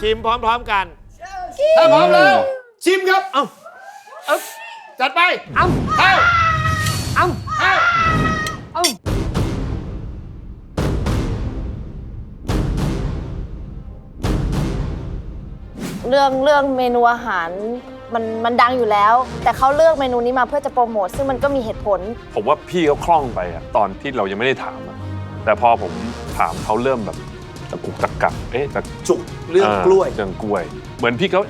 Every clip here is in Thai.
ชิมพร้อมๆกันถ้าพร้อมแล้วชิมครับจัดไปเข้าเรื่องเมนูอาหารมันดังอยู่แล้ว แต่เขาเลือกเมนูนี้มาเพื่อจะโปรโมทซึ่งมันก็มีเหตุผลผมว่าพี่เขาคล่องไปอะตอนที่เรายังไม่ได้ถามอะแต่พอผมถามเขาเริ่มแบบตะกุกตะกักแต่จุกเรื่องกล้วยเรื่องกล้วย เหมือนพี่เขา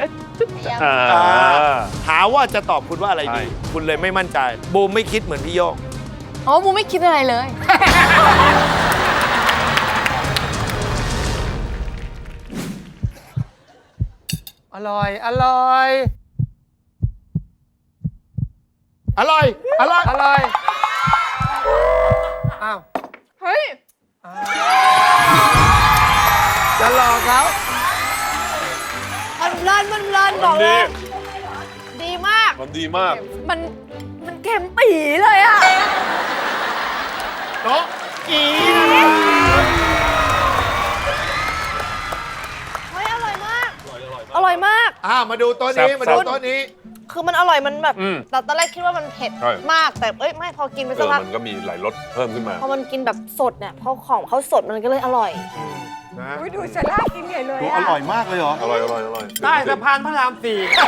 หาว่าจะตอบคุณว่าอะไรใช่ดี คุณเลยไม่มั่นใจบูมไม่คิดเหมือนพี่โยกอ๋อบูไม่คิดอะไรเลยอร่อย อร่อยอร่อย อร่อยอร่อย อ้าวเฮ้ยจะหลอกเขามันเพลินบอกเลย ดีมากมันดีมากมันเค็มปีเลยอะโต๊ะอีนะครับเฮ้ยอร่อยมาก อร่อยมากมาดูโต๊ะนี้ มาดูโต๊ะนี้คือมันอร่อยมันแบบอืมแต่ตอนแรกคิดว่ามันเผ็ดใช่มากแต่ไม่พอกินไปสักพักมันก็มีหลายรสเพิ่มขึ้นมาพอมันกินแบบสดเนี่ยพอของเขาสดมันก็เลยอร่อยอุ๊ยดูสลากินใหญ่เลยอร่อยมากเลยเหรออร่อยใต้สะพานพระราม 4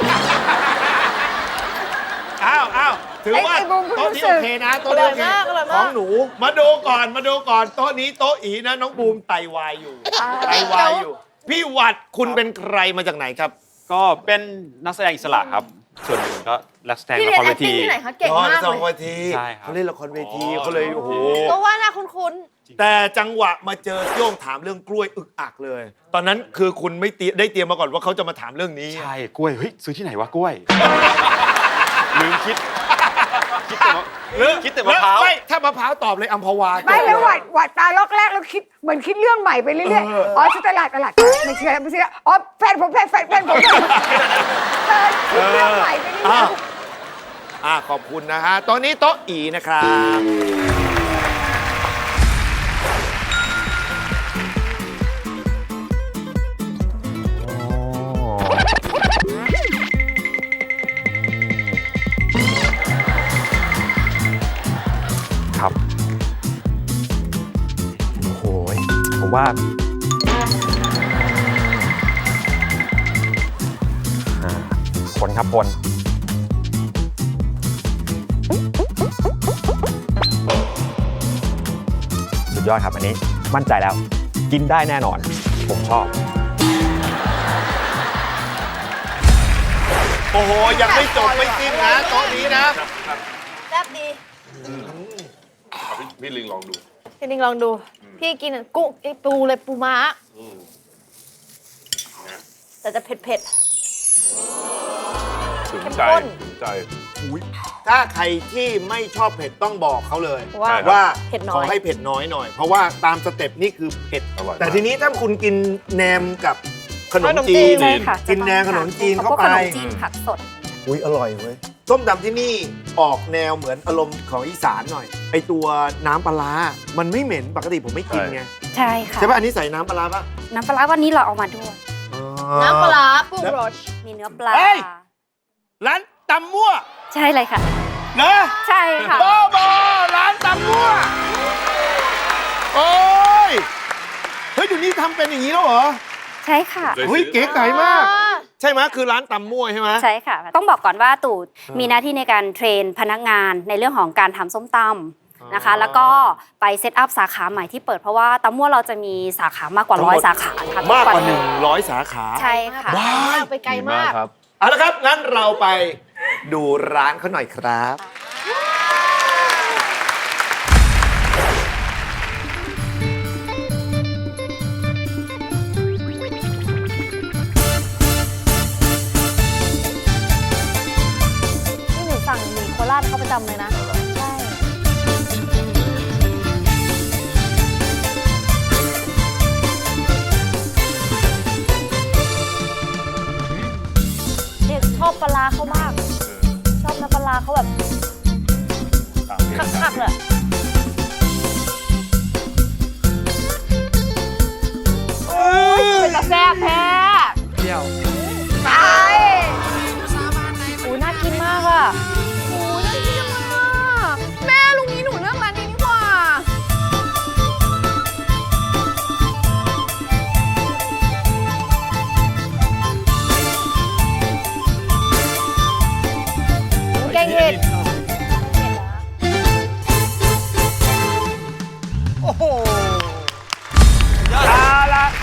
อ้าวถือว่าไอ้บูมโต๊ะนี้รู้สึโอก เคนะโต๊ะนี้โอเคอร่อยมากของหนู มาดูก่อนโต๊ะนี้โต๊ะอีนะน้องบูมไตวายอยู่ ไตวายอยู่ พี่หวัดคุณเป็นใครมาจากไหนครับก็เป็นนักแสดงอิสระครับ ส่วนหนึ่งก็นักแสดงพี่ละเรียคน รแอเวคติ้งทีที่ไหนคะเก่งมากละครเลยเวทีใช่ครับเขาเล่นละครเวทีเขาเลยโอ้โหก็ว่าน่าคุ้นแต่จังหวะมาเจอโย่งถามเรื่องกล้วยอึกอักเลย ตอนนั้นคือคุณไม่ได้เตรียมมาก่อนว่าเขาจะมาถามเรื่องนี้ใช่ กล้วย เฮ้ย ซื้อที่ไหนวะกล้วย ลืมคิดแต่มะพร้าวไม่ถ้ามะพร้าวตอบเลยอัมพวาไม่แล้วหวัดตาล็อกแรกแล้วคิดเหมือนคิดเรื่องใหม่ไปเรื่อยๆ อ๋อที่ตลาดไม่เชื่ออ๋อแฟนผมคิดเรื่องใหม่ไปเรื่อยๆขอบคุณนะฮะตอนนี้โต๊ะอีนะครับครับ โอ้โห ผมว่าคนครับคนสุดยอดครับ อันนี้มั่นใจแล้ว กินได้แน่นอน ผมชอบโอ้โห ยังไม่จบไม่สิ้นนะโต๊ะนี้นะๆแซ่บดีพี่ลิงลองดูพี่นิงลองดู พี่กินกุ้งไอ้ปูเลยปูม้าแต่จะเผ็ดถึงเข้มใจข้นถึงใจถ้าใครที่ไม่ชอบเผ็ดต้องบอกเขาเลยว่าว่าเผ็ดน้อยขอให้เผ็ดน้อยหน่อย เพราะว่าตามสเต็ปนี่คือเผ็ดอร่อยมากแต่ทีนี้ถ้าคุณกินแหนมกับขนมจีนใช่ค่ะกินแหนมขนมจีนเข้าไปขนมจีนผักสดอุ้ยอร่อยเว้ยส้มตำที่นี่ออกแนวเหมือนอารมณ์ของอีสานหน่อย ไอตัวน้ำปลาร้ามันไม่เหม็นปกติผมไม่กินไงใช่ค่ะใช่ป่ะอันนี้ใส่น้ำปลาร้าป่ะน้ำปลาร้าวันนี้เราเอามาด้วยน้ำปลาร้าปูโรชมีเนื้อปลาเฮ้ย ร้านตำมั่วใช่เลยค่ะเนอะใช่ค่ะโบร้านตำมั่วโอ้ยเฮ้ยเดี๋ยวนี้ทำเป็นอย่างนี้แล้วเหรอใช่ค่ะเฮ้ยเก๋ไก่มาก ใช่ไหมคือร้านตำมั่วใช่ไหมใช่ค่ะ ต้องบอกก่อนว่าตู่มีหน้าที่ในการเทรนพนักงานในเรื่องของการทำส้มตำนะคะ แล้วก็ไปเซตอัพสาขาใหม่ที่เปิดเพราะว่าตำมั่วเราจะมีสาขามากกว่าทั้งหมด 100 สาขาค่ะมากกว่าทุน 100 สาขาใช่ค่ะว้ายไปไกลมากครับเอาละครับ งั้นเราไปดูร้านเขาหน่อยครับนี่หนูสั่งหมี่โคราชเขาประจำเลยนะ ใช่ เนี่ยชอบปลาร้าเขามาก ชอบน้ำปลาร้าเขาแบบคักๆเลยโอ้ยเป็นตาแซ่บแท้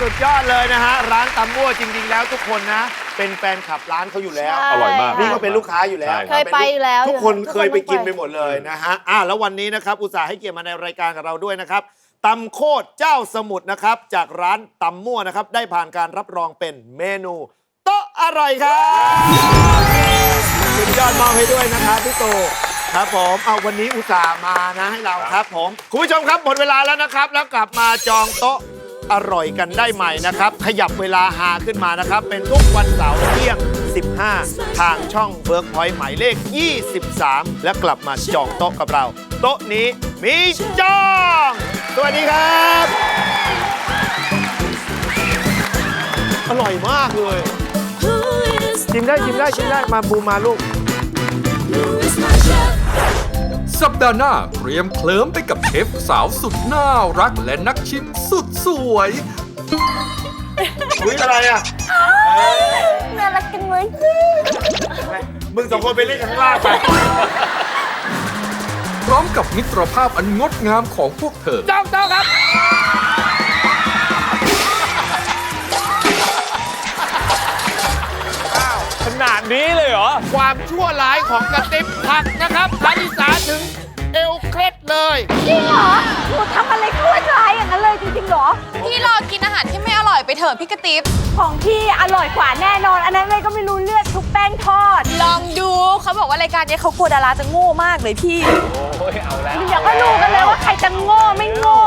สุดยอดเลยนะฮะ ร้านตำมั่วจริง ๆ แล้วทุกคนนะ เป็นแฟนคลับร้านเขาอยู่แล้วใช่อร่อยมากนี่ก็เป็นลูกค้าอยู่แล้วใช่เคยไปอยู่แล้วทุกคนเคยไปกินทุกคนไปหมดเลยนะฮะแล้ววันนี้นะครับอุตส่าห์ให้เกียรติมาในรายการกับเราด้วยนะครับตำโคตรเจ้าสมุทรนะครับจากร้านตำมั่วนะครับได้ผ่านการรับรองเป็นเมนูโต๊ะอร่อยครับสุดยอดมอบให้ด้วยนะครับพี่ตู่ครับผมเอาวันนี้อุตส่าห์มานะให้เราครับผมคุณผู้ชมครับหมดเวลาแล้วนะครับแล้วกลับมาจองโต๊ะอร่อยกันได้ใหม่นะครับขยับเวลาหาขึ้นมานะครับเป็นทุกวันเสาร์เที่ยง 15 ทางช่องเวิร์กพอยต์หมายเลข 23 และกลับมาจองโต๊ะกับเรา โต๊ะนี้มีจอง สวัสดีครับ อร่อยมากเลยชิมได้มาบูมมาลูกสัปดาห์หน้าเตรียมเคลิ้มไปกับเชฟสาวสุดน่ารักและนักชิมสุดสวยอุ้ยอะไรอ่ะน่ารักจังเลยมึงสองคนไปเล่นข้างล่างไปพร้อมกับมิตรภาพอันงดงามของพวกเธอจ้องโต๊ะครับขนาดนี้เลยเหรอความชั่วร้ายของกระติบผักนะครับคาริสาถึงเอวเคล็ดเลยจริงเหรอหนูทำอะไรก็ร้ายอย่างนั้นเลยจริงๆเหรอพี่รอกินอาหารที่ไม่อร่อยไปเถอะพี่กระติ๊บของพี่อร่อยกว่าแน่นอน อันนั้นเลยก็ไม่รู้เลือดทุกแป้งทอดลองดูเขาบอกว่ารายการนี้เขากลัวดาราจะโง่มากเลยพี่เดี๋ยวก็รู้กันเลยว่าใครจะโง่ไม่โง่